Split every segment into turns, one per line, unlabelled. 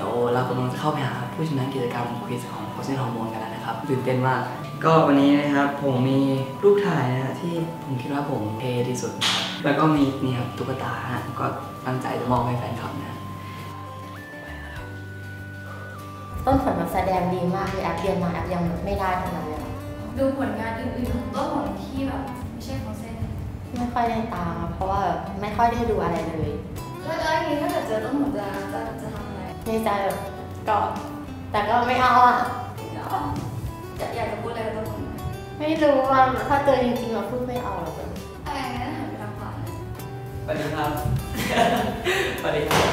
ดี๋ยวเรากำลังจะเข้าไปหาผู้ชนะกิจกรรมควิสของโคชเนฮอร์โมนกันแล้วนะครับตื่นเต้นมากก็วันนี้นะครับผมมีรูปถ่ายนะที่ผมคิดว่าผมเท่ที่สุดนะครับแล้วก็มีนี่ครับตุ๊กตาฮะก็ตั้งใจจะมอบให้แฟนคลับนะ
ต้นผลการแสดงดีมากเลยแอปเรียนมาแอปยังไม่ได้ขนาดนี้
ดูผลงานอื่นๆของต้นผลที่แบบไม่ใช่ของเส้น
ไม่ค่อยได้ตามเพราะว่าไม่ค่อยได้ดูอะไรเลย
แล้วอย่างนี้ถ้าเกิดเจอต้นผลจะทำอะไร
ในใจแบบก็แต่ก็ไม่เอาอ่ะ
อยากจะพูดอะไรกับต้นผล
ไม่รู้ว่าถ้าเจอจริงๆเราพูดไม่เอาหรอก
อะไรงั้นหันไปทางขวา
สวัสดีครับสวัสดีครับ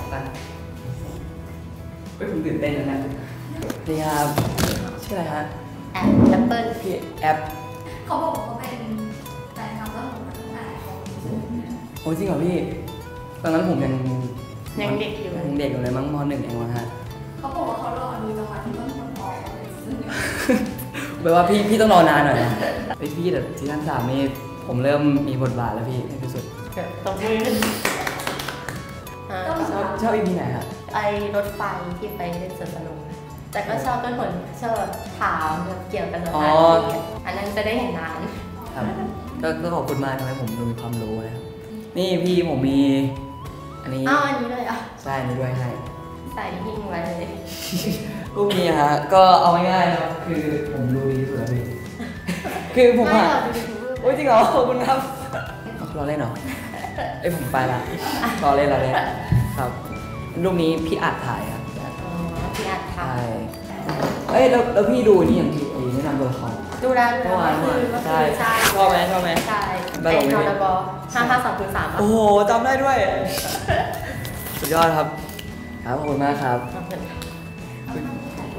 ผมตื่นเต้นแล้วนะสวัสดีครับชื่ออะไรฮะ
แอปเปิล
พี่แอป
เขาบอกว่าเขาเป็นแฟนคลับต้นผลตั้งแต่เขา
โอ้จริงเหรอพี่ตอนนั้นผมยัง
เด็กอยู่
ยังเด็กอยู่เลยมั้งม.1 เองวะฮะ
เขาบอกว่าเขารอดูจังหวะที่ต้นผลออก
แปลว่าพี่ต้องรอนานหน่อยนะพี่แต่ซีซั่น 3นี่ผมเริ่มมีบทบาทแล้วพี่ในที่สุด
ตรงนี้
ชอบ EP ไหนครับ
ไอรถไฟที่ไปเล่นสวนสนุกแต่ก็ชอบต้นผลชอบถามเกี่ยวกับสถานที่อันนั้นจะได้เห็นนาน
ครับก็ขอบคุณมากทำให้ผมมีความรู้นะครับนี่พี่ผมมีอันนี้
อันนี้เลยอ่ะ
ใช่นี่ด้วยให้
ใส่หิ้งไว้เลย
รูปนี้ฮะก็เอาง่ายๆนะครับคือผมรู้ดีที่สุดแล้วพี่คือผมอ่ะโอ้ยจริงเหรอขอบคุณครับเราเล่นเหรอผมไปละรอเล่นครับรูปนี้พี่อัดถ่ายครับ
พี่อัดถ่าย
แล้วพี่ดูนี่อย่างที่แนะนำตัวละคร
ดูได้
เมื่อวานใช่ชอบไหม
ใช่ไอ้นอร์บอ5523
โอ้โหจำได้ด้วยสุดยอดครับขอบคุณมากครับ